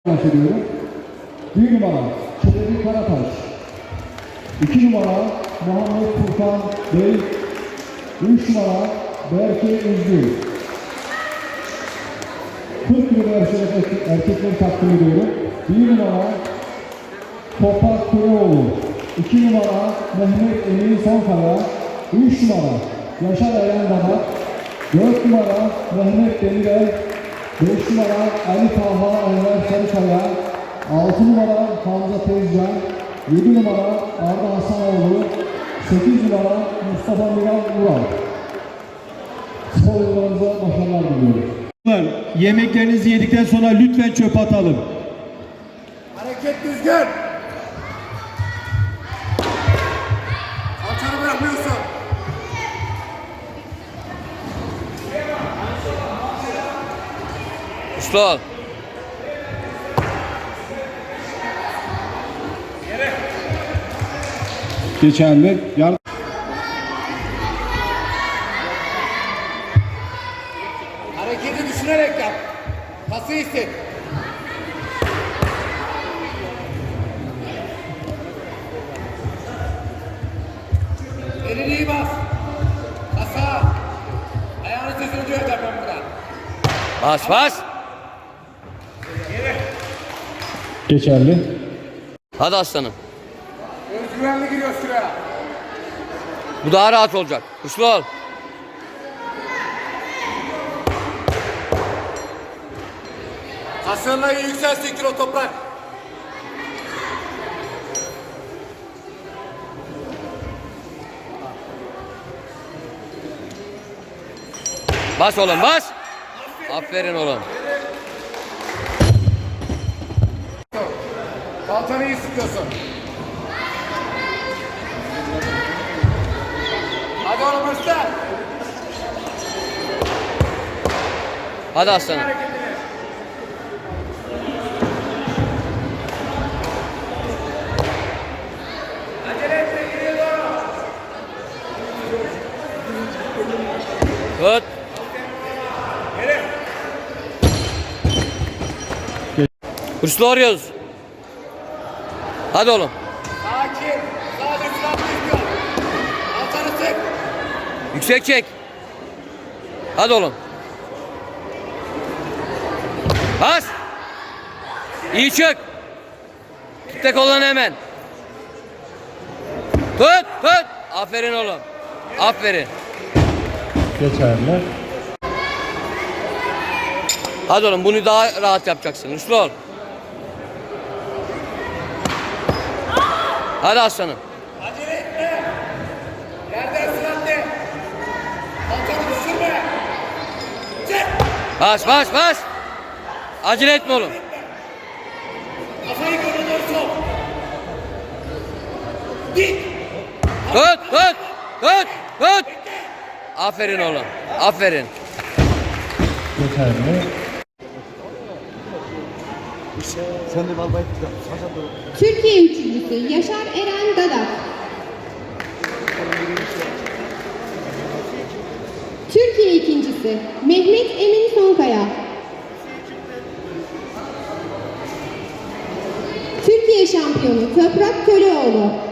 bahsediyorum. 1 numara Çelebi Karataş, 2 numara Muhammed Furkan Bey, 3 numara Berke Üzgün. 40 kilo erkekleri takdim ediyorum. 1 numara Toprak Köroğlu, 2 numara Mehmet Emin Sonkaya, 3 numara Yaşar Eren Damat, 4 numara Mehmet Demirel, 5 numara Ali Talha Enver Sarıkaya, 6 numara Hamza Tezcan, 7 numara Arda Hasanoğlu, 8 numara Mustafa Miran Ural. Sporcularımıza başarılar diliyoruz. Yemeklerinizi yedikten sonra lütfen çöpe atalım. Hareket düzgün. Alçanı bırakmıyorsun. Usta. Geçerli. Hareketi düşünerek yap. Pası hisset. Elini iyi bas. Pasa. Ayağını sesini duyacağım ben buradan. Bas bas. Geçerli. Hadi aslanım. Özgüvenli giriyor şuraya. Bu daha rahat olacak. Güçlü ol. Kasığınla iyi yükselsin kilo toprak. Bas oğlum bas. Aferin oğlum. Kalçanı iyi sıkıyorsun. Hadi oğlum usta. Hadi aslanım. Acele etme, geriye doğru. Tut. Hırslı arıyoruz. Hadi oğlum. Sakin. Sadece süratli istiyor. Kalçanı sık. Yüksek çek. Hadi oğlum. Bas. İyi çök. Tut de kollarını hemen. Tut tut. Aferin oğlum. Aferin. Geçerli. Hadi oğlum bunu daha rahat yapacaksın. Hırslı ol. Hadi aslanım. Acele etme. Yerden süratli. Kalçanı düşürme. Çek. Bas bas bas. Acele etme oğlum. Kafayı göre doğru sok. Git. Tut tut tut tut. Aferin oğlum. Aferin. Geçerli. Türkiye üçüncüsü Yaşar Eren Dadak. Türkiye ikincisi Mehmet Emin Sonkaya. Türkiye şampiyonu Toprak Köroğlu.